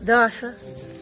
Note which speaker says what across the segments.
Speaker 1: Даша.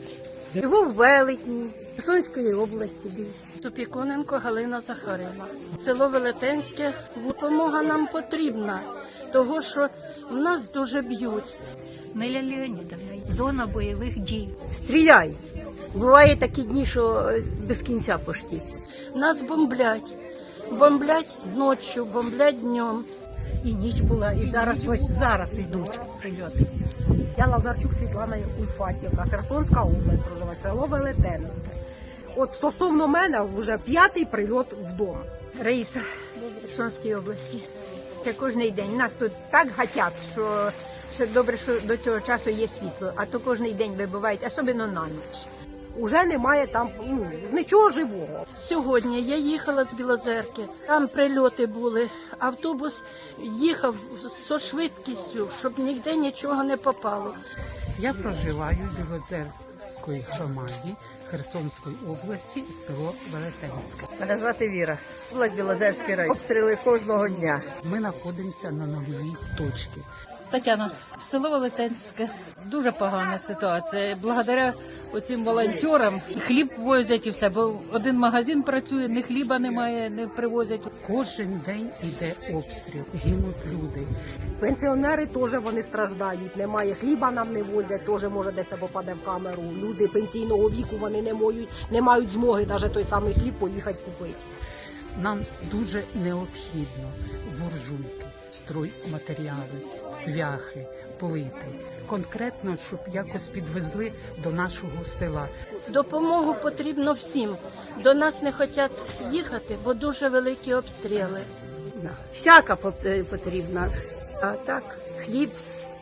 Speaker 1: Живу в Велетні, Херсонської області.
Speaker 2: Тупіконенко Галина Захарівна. Село Велетенське. Допомога нам потрібна, того що в нас дуже б'ють.
Speaker 3: Неля Леонідовна, зона бойових дій.
Speaker 1: Стріляй. Буває такі дні, що без кінця пошті.
Speaker 2: Нас бомблять. Бомблять ночі, бомблять днем.
Speaker 3: І ніч була, і зараз йдуть прильоти.
Speaker 4: Я Лазарчук Світлана Ульфатівна, Херсонська область, проживає, село Велетенське. От стосовно мене вже 5-й прильот вдома.
Speaker 5: Раїса, в Херсонській області. Це кожен день. Нас тут так гатять, що добре, що до цього часу є світло, а то кожен день вибивають, особливо на ніч.
Speaker 4: Уже немає там нічого живого.
Speaker 2: Сьогодні я їхала з Білозерки, там прильоти були. Автобус їхав зі швидкістю, щоб ніде нічого не попало.
Speaker 6: Я проживаю в Білозерській громаді Херсонської області, село Велетенське.
Speaker 1: Мене звати Віра. Область Білозерський район. Обстріли кожного дня.
Speaker 6: Ми знаходимося на нульовій точці.
Speaker 7: Тетяна, село Велетенське. Дуже погана ситуація. Благодаря оцим волонтерам хліб возять і все, бо один магазин працює, ні хліба немає, не привозять.
Speaker 6: Кожен день іде обстріл, гинуть люди.
Speaker 4: Пенсіонери теж вони страждають, немає хліба нам не возять, теж може десь попаде в камеру. Люди пенсійного віку вони не мають змоги навіть той самий хліб поїхати купити.
Speaker 6: Нам дуже необхідно буржуйки, стройматеріали, цвяхи, плити. Конкретно, щоб якось підвезли до нашого села.
Speaker 2: Допомогу потрібно всім. До нас не хочуть їхати, бо дуже великі обстріли.
Speaker 1: Всяка потрібна. А так, хліб.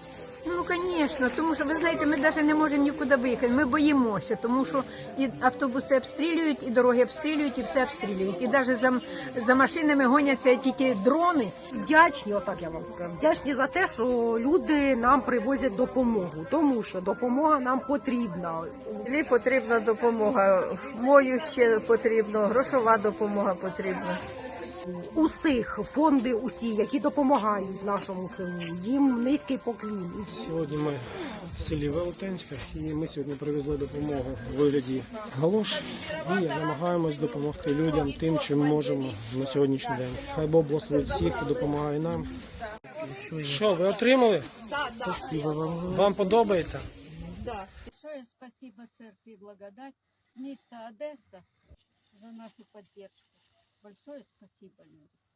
Speaker 5: Ну, звісно, тому що, ви знаєте, ми навіть не можемо нікуди виїхати, ми боїмося, тому що і автобуси обстрілюють, і дороги обстрілюють, і все обстрілюють. І навіть за машинами гоняться тільки дрони.
Speaker 4: Вдячні, отак я вам скажу, вдячні за те, що люди нам привозять допомогу, тому що допомога нам потрібна.
Speaker 1: Мені потрібна допомога. Мою ще потрібно, грошова допомога потрібна.
Speaker 4: Усіх фонди, усі, які допомагають нашому селу, їм низький поклін.
Speaker 8: Сьогодні ми в селі Велетенське і ми сьогодні привезли допомогу у вигляді галош і намагаємось допомогти людям тим, чим можемо на сьогоднішній день. Хай Бог благословить всіх, хто допомагає нам. Що, ви отримали? Так. Вам подобається?
Speaker 2: Большое спасибо церкви «Благодать», міста Одеса за нашу поддержку. Большое спасибо, люди.